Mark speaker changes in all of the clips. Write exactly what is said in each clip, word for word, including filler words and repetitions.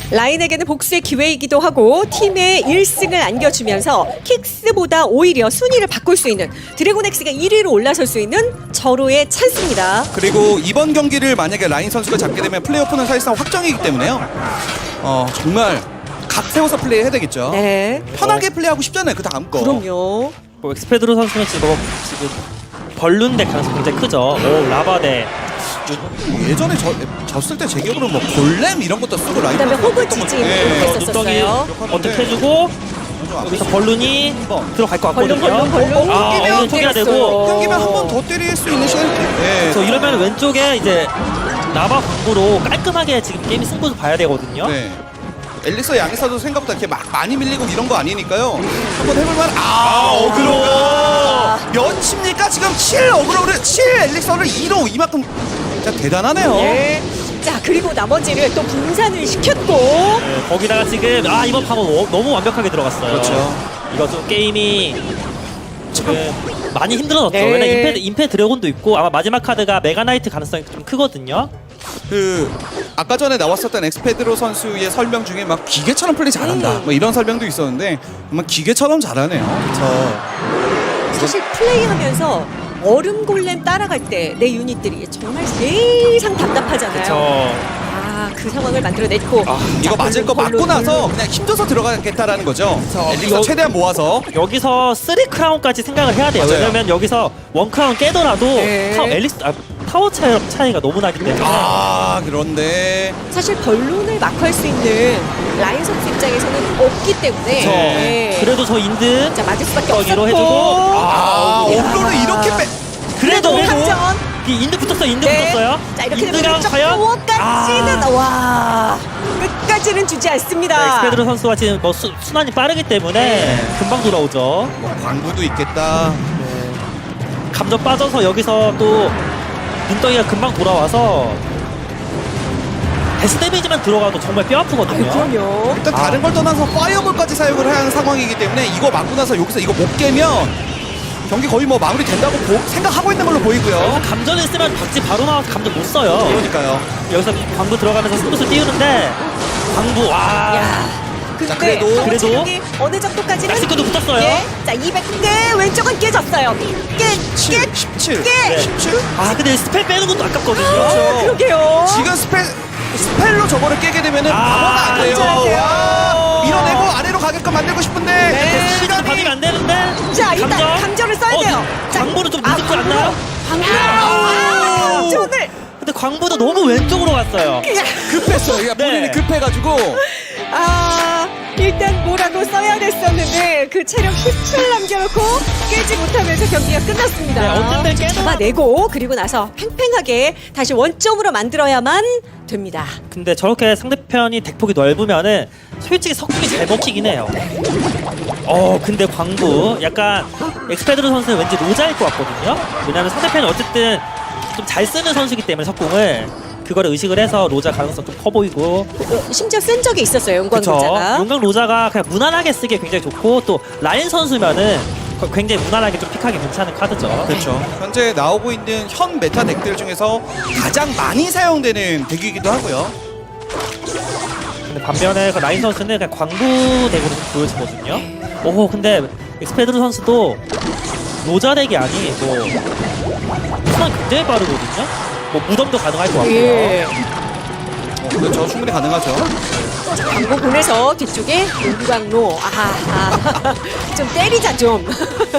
Speaker 1: 라인에게는 복수의 기회이기도 하고 팀에 일 승을 안겨주면서 킥스보다 오히려 순위를 바꿀 수 있는 드래곤엑스가 일 위로 올라설 수 있는 절호의 찬스입니다.
Speaker 2: 그리고 이번 경기를 만약에 라인 선수가 잡게 되면 플레이오프는 사실상 확정이기 때문에요. 어 정말 각 세워서 플레이해야 되겠죠.
Speaker 1: 네,
Speaker 2: 편하게 플레이하고 싶잖아요. 그 다음 거.
Speaker 1: 그럼요.
Speaker 3: 뭐 엑스페드로 선수는 지금 지금 벌룬 대 가능성이 굉장히 크죠. 오, 라바 대
Speaker 2: 예전에 저, 졌을 때 제 기억으로 뭐 골렘 이런 것도 쓰고 라인
Speaker 1: 그다음에
Speaker 2: 선수가
Speaker 1: 호그
Speaker 2: 했던
Speaker 1: 지지
Speaker 2: 것 같아요.
Speaker 1: 이렇게
Speaker 2: 네.
Speaker 1: 했었어요.
Speaker 3: 눈덩이 어떻게 해주고 여기서 벌룬이 들어갈 것
Speaker 1: 벌룬,
Speaker 3: 같거든요.
Speaker 1: 벌룬, 벌룬.
Speaker 3: 아,
Speaker 2: 끼면
Speaker 3: 얼른 초기화 되고
Speaker 1: 때렸어요.
Speaker 2: 끊기면 한 번 더 때릴 수 있는 시간이 네.
Speaker 3: 그래서 이러면 왼쪽에 이제 라바 광부로 깔끔하게 지금 게임 승부도 봐야 되거든요.
Speaker 2: 네. 엘릭서 양에서도 생각보다 이렇게 막 많이 밀리고 이런 거 아니니까요. 한번 해볼만. 아, 어그로가 몇 칩니까? 지금 칠 어그로를 칠 엘릭서를 이로 이만큼 진짜 대단하네요.
Speaker 1: 예. 자, 그리고 나머지를 또 분산을 시켰고
Speaker 3: 네, 거기다가 지금 아 이번 판은 워- 너무 완벽하게 들어갔어요.
Speaker 2: 그렇죠.
Speaker 3: 이거 좀 게임이 지금 많이 힘들어졌죠.
Speaker 1: 네.
Speaker 3: 왜냐 임페 임페 드래곤도 있고 아마 마지막 카드가 메가나이트 가능성이 좀 크거든요.
Speaker 2: 그 아까 전에 나왔었던 엑스페드로 선수의 설명 중에 막 기계처럼 플레이 잘한다.
Speaker 1: 음.
Speaker 2: 뭐 이런 설명도 있었는데 정말 기계처럼 잘하네요. 그렇죠.
Speaker 1: 사실 플레이하면서 얼음 골렘 따라갈 때 내 유닛들이 정말 세상 답답하잖아요.
Speaker 3: 그렇죠.
Speaker 1: 아, 그 상황을 만들어냈고
Speaker 3: 아,
Speaker 2: 이거 맞을 거 맞고 나서 그냥 힘줘서 들어가겠다라는 거죠. 엘릭서
Speaker 3: 여-
Speaker 2: 최대한 모아서.
Speaker 3: 여기서 쓰리 크라운까지 생각을 해야 돼요.
Speaker 2: 맞아요.
Speaker 3: 왜냐면 여기서 원 크라운 깨더라도
Speaker 1: 네.
Speaker 3: 타워 앨리스 아, 타워 차이, 차이가 너무 나기 때문에
Speaker 2: 아 그런데
Speaker 1: 사실 벌룬을 막할 수 있는 라인 선수 입장에서는 없기 때문에
Speaker 3: 그렇죠.
Speaker 1: 네.
Speaker 3: 그래도 저 인드
Speaker 1: 자, 맞을 수밖에
Speaker 3: 덕이로
Speaker 1: 없었고
Speaker 3: 해주고
Speaker 2: 아 어그로를 이렇게 빼.
Speaker 3: 그래도
Speaker 1: 그래도 함정.
Speaker 3: 이 인드 붙었어 인드
Speaker 1: 네.
Speaker 3: 붙었어요.
Speaker 1: 자, 이렇게 되면
Speaker 3: 인드가
Speaker 1: 왼쪽
Speaker 3: 과연
Speaker 1: 타워까지는
Speaker 3: 아.
Speaker 1: 와 끝까지는 주지 않습니다.
Speaker 3: 네, 엑스페드로 선수가 지금 뭐 수, 순환이 빠르기 때문에
Speaker 1: 네.
Speaker 3: 금방 돌아오죠.
Speaker 2: 뭐 광부도 있겠다.
Speaker 3: 감정 빠져서 여기서 또 눈덩이가 금방 돌아와서 데스 데미지만 들어가도 정말 뼈 아프거든요.
Speaker 1: 아유, 그럼요.
Speaker 2: 일단
Speaker 3: 아.
Speaker 2: 다른 걸 떠나서 파이어볼까지 사용을 해야 하는 상황이기 때문에 이거 맞고 나서 여기서 이거 못 깨면 경기 거의 뭐 마무리 된다고 보- 생각하고 있는 걸로 보이고요.
Speaker 3: 여기서 감전을 쓰면 박지 바로 나와서 감전 못 써요.
Speaker 2: 그러니까요.
Speaker 3: 여기서 광부 들어가면서 승부수 띄우는데 광부 와
Speaker 1: 야, 근데
Speaker 2: 자, 그래도-
Speaker 1: 타워
Speaker 3: 그래도-
Speaker 1: 체력이 어느 정도까지는
Speaker 3: 엑스크도 붙었어요.
Speaker 1: 예. 자, 이백 개 왼쪽은 깨졌어요. 깨,
Speaker 2: 칠,
Speaker 1: 깨,
Speaker 2: 십칠,
Speaker 1: 깨.
Speaker 2: 십칠.
Speaker 3: 아 근데 스펠 빼는 것도 아깝거든요.
Speaker 1: 아, 그러게요.
Speaker 2: 지금 스펠 스펠로 저거를 깨게 되면은
Speaker 3: 아,
Speaker 2: 방어가 안 돼요.
Speaker 1: 안전하세요.
Speaker 2: 와, 밀어내고 아래로 가게끔 만들고 싶은데
Speaker 1: 네.
Speaker 3: 시즌
Speaker 2: 시간이
Speaker 3: 받으면 안 되는데.
Speaker 1: 자, 일단
Speaker 3: 감전?
Speaker 1: 감전을 써야
Speaker 3: 어,
Speaker 1: 돼요. 자,
Speaker 3: 광부는 좀
Speaker 1: 아,
Speaker 3: 늦지 않나요?
Speaker 1: 광부.
Speaker 3: 아.
Speaker 1: 아, 감전을.
Speaker 3: 근데 광부도 너무 왼쪽으로 갔어요.
Speaker 2: 급했어요. 그러니까 본인이
Speaker 3: 네.
Speaker 2: 급해가지고
Speaker 1: 아, 일단 뭐라도 써야 됐었는데 그 체력 십칠 남겨놓고 깨지 못하면서 경기가 끝났습니다.
Speaker 3: 네, 어떤 때 깨도-
Speaker 1: 잡아내고 그리고 나서 팽팽하게 다시 원점으로 만들어야만 됩니다.
Speaker 3: 근데 저렇게 상대편이 덱폭이 넓으면은 솔직히 석궁이 잘 먹히긴 해요. 어 근데 광부 약간 엑스페드로 선수는 왠지 로자일 것 같거든요. 왜냐면 상대편이 어쨌든 좀 잘 쓰는 선수이기 때문에 석궁을 그거를 의식을 해서 로자 가능성 좀 커 보이고.
Speaker 1: 어, 심지어 쓴 적이 있었어요, 용광
Speaker 3: 그쵸.
Speaker 1: 로자가.
Speaker 3: 용광 로자가 그냥 무난하게 쓰기에 굉장히 좋고 또 라인 선수면은 거- 굉장히 무난하게 좀 픽하기 괜찮은 카드죠.
Speaker 2: 그렇죠. 현재 나오고 있는 현 메타 덱들 중에서 가장 많이 사용되는 덱이기도 하고요.
Speaker 3: 근데 반면에 그 라인 선수는 그냥 광부 덱으로 좀 보여지거든요. 오 근데 엑스페드로 선수도 로자 덱이 아니고 순환 굉장히 빠르거든요. 뭐 무덤도 가능할 것 같고요.
Speaker 1: 예.
Speaker 2: 어, 그렇죠. 충분히 가능하죠.
Speaker 1: 광고 보내서 뒤쪽에 용광로. 아하. 좀 때리자 좀.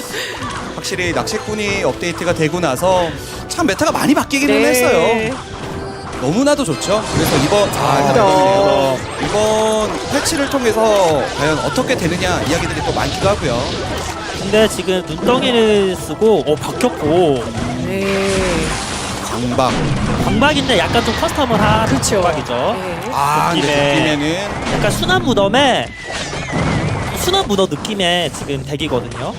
Speaker 2: 확실히 낚시꾼이 업데이트가 되고 나서 참 메타가 많이 바뀌기는
Speaker 1: 네.
Speaker 2: 했어요. 너무나도 좋죠. 그래서 이번 아, 일단
Speaker 1: 그렇죠.
Speaker 2: 이거네요. 이번 패치를 통해서 과연 어떻게 되느냐 이야기들이 또 많기도 하고요.
Speaker 3: 근데 지금 눈덩이를 쓰고 어 박혔고
Speaker 1: 네.
Speaker 2: 광박.
Speaker 3: 광박인데 약간 좀 커스텀을 한
Speaker 1: 그렇죠.
Speaker 3: 광박이죠.
Speaker 1: 네.
Speaker 2: 아, 근데
Speaker 3: 느낌에.
Speaker 2: 느낌에는
Speaker 3: 약간 순환 무덤에 순환 무덤 느낌의 지금 덱이거든요.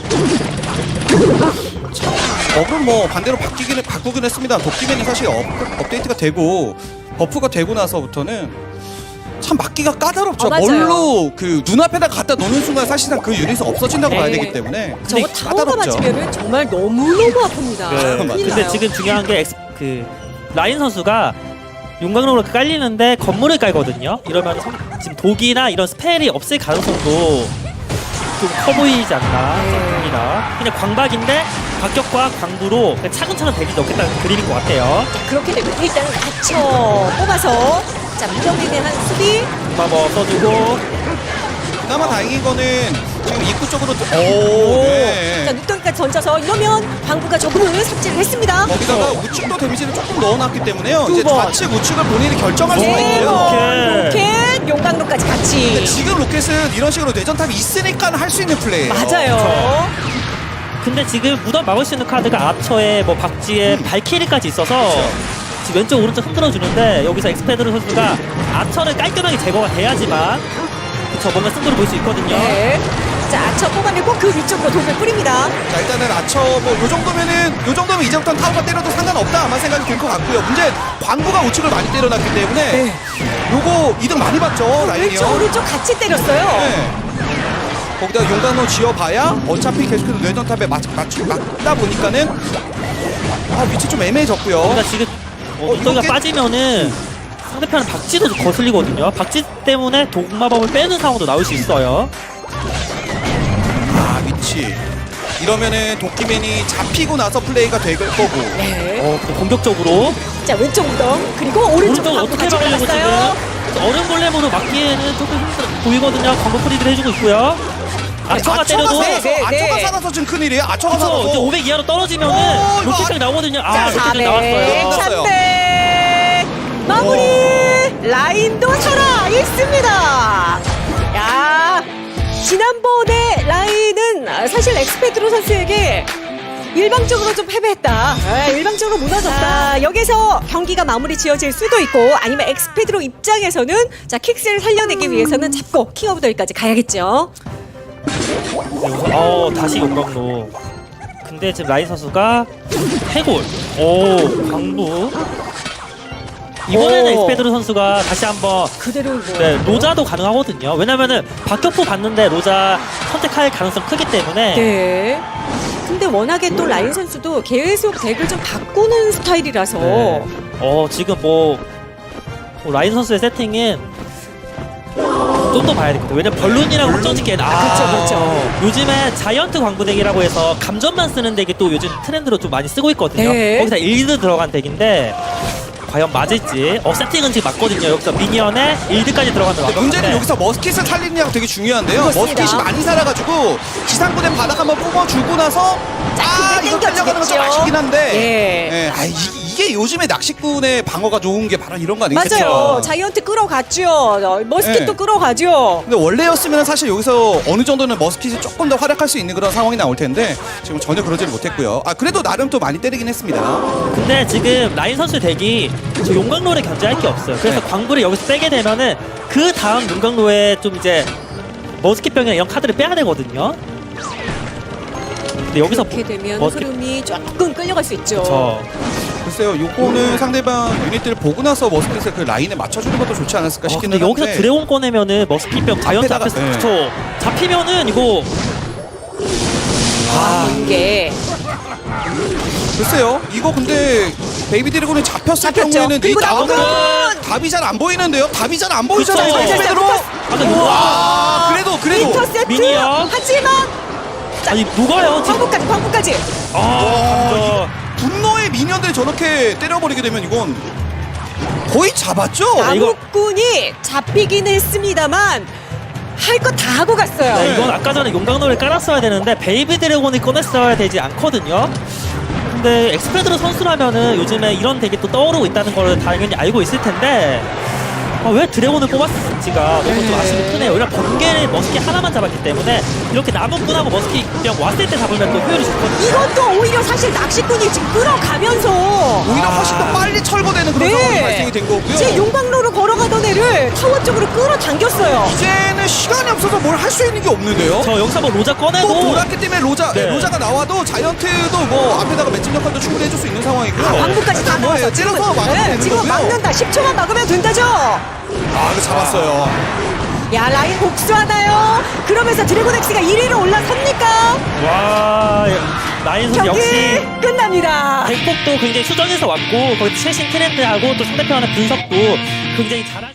Speaker 2: 업은 뭐 반대로 바뀌기는 바꾸긴 했습니다. 도끼맨이 사실 업, 업데이트가 되고 버프가 되고 나서부터는 참 막기가 까다롭죠.
Speaker 1: 어, 맞아요.
Speaker 2: 뭘로 그 눈앞에다 갖다 놓는 순간 사실상 그 유닛이 없어진다고
Speaker 1: 네.
Speaker 2: 봐야 되기 때문에
Speaker 1: 저거
Speaker 2: 근데
Speaker 1: 타워가
Speaker 2: 까다롭죠.
Speaker 1: 맞으면 정말 너무너무 아픕니다.
Speaker 3: 네.
Speaker 1: 큰일
Speaker 3: 근데
Speaker 1: 나요.
Speaker 3: 지금 중요한 게 엑스, 그 라인 선수가 용광로로 깔리는데 건물을 깔거든요. 이러면 성- 지금 독이나 이런 스펠이 없을 가능성도 좀 커 보이지 않나 생각합니다. 그냥 광박인데 박격과 광부로 그냥 차근차근 대기 넣겠다는 그림인 것 같아요.
Speaker 1: 자, 그렇게 되면 일단은 갇혀 뽑아서 자 무덤에 대한 수비.
Speaker 3: 마법 써주고
Speaker 2: 그나마 다행인 거는 지금 입구 쪽으로 오,
Speaker 1: 자
Speaker 2: 네.
Speaker 1: 눈덩이까지 던져서 이러면 광부가 저분을 삽질을 했습니다.
Speaker 2: 거기다가 우측도 데미지를 조금 넣어놨기 때문에요.
Speaker 1: 두
Speaker 2: 이제
Speaker 1: 번.
Speaker 2: 좌측 우측을 본인이 결정할 수가
Speaker 1: 네
Speaker 2: 있고요.
Speaker 1: 번
Speaker 3: 로켓.
Speaker 1: 로켓 용광로까지
Speaker 2: 근데
Speaker 1: 같이.
Speaker 2: 지금 로켓은 이런 식으로 뇌전탑이 있으니까 할 수 있는 플레이예요.
Speaker 1: 맞아요.
Speaker 3: 근데 지금 무덤 막을 수 있는 카드가 아처에 뭐 박쥐에 발키리까지 있어서 지금 왼쪽 오른쪽 흔들어 주는데 여기서 엑스페드로 선수가 아처를 깔끔하게 제거가 돼야지만 그쵸 뭔가 승부를 볼 수 있거든요.
Speaker 1: 네. 자 아처 뽑아내고 그 위쪽으로 돌을 뿌립니다.
Speaker 2: 자 일단은 아처 뭐요 정도면은 요 정도면 이제부터는 타워가 때려도 상관없다 아마 생각이 들 것 같고요. 문제 광부가 우측을 많이 때려놨기 때문에
Speaker 1: 네.
Speaker 2: 요거 이득 많이 봤죠
Speaker 1: 왼쪽
Speaker 2: 라인이요.
Speaker 1: 오른쪽 같이 때렸어요.
Speaker 2: 네. 거기다 용광로 지어봐야 어차피 계속해서 뇌전탑에 맞, 맞, 맞다 보니까는 아 위치 좀 애매해졌고요.
Speaker 3: 그러니까 지금 어,
Speaker 2: 어,
Speaker 3: 이가
Speaker 2: 이렇게-
Speaker 3: 빠지면은 상대편은 박쥐도 좀 거슬리거든요. 박쥐 때문에 독마법을 빼는 상황도 나올 수 있어요.
Speaker 2: 아 위치 이러면은 도끼맨이 잡히고 나서 플레이가 될 거고.
Speaker 1: 네.
Speaker 3: 어, 그 공격적으로
Speaker 1: 자 왼쪽 무덤 그리고 오른쪽
Speaker 3: 오른쪽
Speaker 1: 광부
Speaker 3: 어떻게
Speaker 1: 같이
Speaker 3: 막으려고
Speaker 1: 들어갔어요.
Speaker 3: 지금 얼음 골렘으로 막기에는 조금 힘들어 보이거든요. 광고 프리드를 해주고 있고요. 아처가 때려도
Speaker 1: 네,
Speaker 2: 살아서
Speaker 1: 네, 네.
Speaker 2: 아처가 살아서 지금 큰일이에요. 아처가
Speaker 3: 그쵸, 이제
Speaker 2: 살아서.
Speaker 3: 오백 이하로 떨어지면은
Speaker 2: 오, 이거
Speaker 3: 로켓이 나오거든요. 아,
Speaker 1: 자
Speaker 3: 로켓이
Speaker 1: 사백
Speaker 3: 나왔어요.
Speaker 1: 삼백 마무리. 라인도 살아 있습니다. 야 지난번에 라인은 사실 엑스페드로 선수에게 일방적으로 좀 패배했다. 아, 일방적으로 무너졌다. 아, 여기서 경기가 마무리 지어질 수도 있고 아니면 엑스페드로 입장에서는 자 킥스를 살려내기 위해서는 잡고 킹 오브 더힐까지 가야겠죠.
Speaker 3: 어, 다시 용광로. 근데 지금 라인 선수가 해골. 오, 광부. 이번에는
Speaker 1: 오.
Speaker 3: 엑스페드로 선수가 다시 한번
Speaker 1: 그대로 뭐.
Speaker 3: 네, 로자도 가능하거든요. 왜냐면은 박격포 봤는데 로자 선택할 가능성 크기 때문에
Speaker 1: 네. 근데 워낙에 또 라인 선수도 계속 덱을 좀 바꾸는 스타일이라서
Speaker 3: 네. 어 지금 뭐, 뭐 라인 선수의 세팅은 좀 더 봐야 되거든요. 왜냐면 벌룬이랑 확정짓기에는 아,
Speaker 1: 그렇죠, 그렇죠.
Speaker 3: 요즘에 자이언트 광부 덱이라고 해서 감전만 쓰는 덱이 또 요즘 트렌드로 좀 많이 쓰고 있거든요.
Speaker 1: 네.
Speaker 3: 거기서 일드 들어간 덱인데 과연 맞을지. 어 세팅은 지금 맞거든요. 여기서 미니언에 일드까지 들어가는
Speaker 2: 근데 문제는 여기서 머스킷을 살리느냐가 되게 중요한데요.
Speaker 1: 그렇습니다.
Speaker 2: 머스킷이 많이 살아가지고 지상군의 바닥 한번 뽑아주고 나서
Speaker 1: 자,
Speaker 2: 아
Speaker 1: 근데
Speaker 2: 이거 끌려가는 건 좀
Speaker 1: 땡겨지겠죠.
Speaker 2: 아쉽긴 한데
Speaker 1: 예.
Speaker 2: 예, 아, 이, 이게 요즘에 낚시꾼의 방어가 좋은 게 바로 이런 거 아니겠죠?
Speaker 1: 맞아요. 자이언트 끌어갔죠. 어, 머스킷도
Speaker 2: 네.
Speaker 1: 끌어가죠.
Speaker 2: 근데 원래였으면 사실 여기서 어느 정도는 머스킷이 조금 더 활약할 수 있는 그런 상황이 나올 텐데 지금 전혀 그러지를 못했고요. 아 그래도 나름 또 많이 때리긴 했습니다.
Speaker 3: 근데 지금 라인 선수 덱이 저 용광로를 견제할 게 없어요. 그래서
Speaker 2: 네.
Speaker 3: 광부를 여기서 빼게 되면은 그 다음 용광로에 좀 이제 머스킷병이나 이런 카드를 빼야 되거든요. 근데 여기서
Speaker 1: 이렇게 되면
Speaker 3: 머스킷
Speaker 1: 흐름이 조금 끌려갈 수 있죠.
Speaker 3: 저
Speaker 2: 글쎄요, 요거는 상대방 유닛들을 보고 나서 머스킷을 그 라인에 맞춰주는 것도 좋지 않았을까
Speaker 3: 아,
Speaker 2: 싶기는
Speaker 3: 근데 여기서
Speaker 2: 한데
Speaker 3: 드래곤 꺼내면은 머스킷병 자이언트
Speaker 2: 앞에다가,
Speaker 3: 앞에서
Speaker 2: 네.
Speaker 3: 그쵸. 잡히면은 이거
Speaker 1: 아, 이게
Speaker 2: 글쎄요, 이거 근데 베이비 드래곤이 잡혔을
Speaker 1: 잡혔죠.
Speaker 2: 경우에는 이
Speaker 1: 그리고
Speaker 2: 나오는
Speaker 1: 나오면
Speaker 2: 답이 잘 안 보이는데요? 답이 잘 안 보이잖아요.
Speaker 3: 그쵸.
Speaker 2: 베이비드로.
Speaker 3: 아, 근데
Speaker 2: 와, 그래도 그래도
Speaker 1: 인터셉트
Speaker 3: 미니언.
Speaker 1: 하지만
Speaker 3: 아니 녹아요 지금.
Speaker 1: 광부까지 광부까지
Speaker 3: 아,
Speaker 2: 와,
Speaker 3: 저
Speaker 2: 분노의 미니언들이 저렇게 때려버리게 되면 이건 거의 잡았죠?
Speaker 3: 아, 이거-
Speaker 1: 나무꾼이 잡히긴 했습니다만 할 거 다 하고 갔어요.
Speaker 3: 네, 이건 아까 전에 용광로를 깔았어야 되는데 베이비 드래곤을 꺼냈어야 되지 않거든요. 근데 엑스페드로 선수라면은 요즘에 이런 덱이 또 떠오르고 있다는 걸 당연히 알고 있을 텐데 아, 왜 드래곤을 뽑았을지가 너무 좀
Speaker 1: 네.
Speaker 3: 아쉬움이 크네요. 왜냐면 번개를 머스킷 하나만 잡았기 때문에 이렇게 나무꾼하고 머스킷 그냥 왔을 때 잡으면 또 효율이 좋거든요.
Speaker 1: 이것도 오히려 사실 낚시꾼이 지금 끌어가면서
Speaker 2: 오히려
Speaker 3: 아.
Speaker 2: 훨씬 더 빨리 철거되는 그런 상황이
Speaker 1: 네.
Speaker 2: 발생이 된 거고요.
Speaker 1: 제 용광로로 걸어가던 애를 타워 쪽으로 끌어당겼어요.
Speaker 2: 이제는 시간이 없어서 뭘 할 수 있는 게 없는데요.
Speaker 3: 저 여기서 뭐 로자 꺼내고
Speaker 2: 또 돌았기 때문에 로자,
Speaker 3: 네.
Speaker 2: 로자가 나와도 자이언트도 뭐 앞에다가 맷집 역할도 충분히 해줄 수 있는 상황이고요.
Speaker 1: 광부까지 다
Speaker 2: 뭐예요?
Speaker 1: 나와서 지금
Speaker 2: 찔러서 막으면
Speaker 1: 네,
Speaker 2: 되는
Speaker 1: 지금
Speaker 2: 거고요.
Speaker 1: 막는다. 십 초만 막으면 된다죠.
Speaker 2: 아, 이거 잡았어요.
Speaker 1: 야 라인 복수하나요? 그러면서 드래곤엑스가 일 위로 올라섭니까?
Speaker 3: 와 라인 선수
Speaker 1: 경기
Speaker 3: 역시
Speaker 1: 끝났습니다. 승리합니다.
Speaker 3: 덱폭도 굉장히 수정해서 왔고 거기 최신 트렌드하고 또 상대편의 분석도 굉장히 잘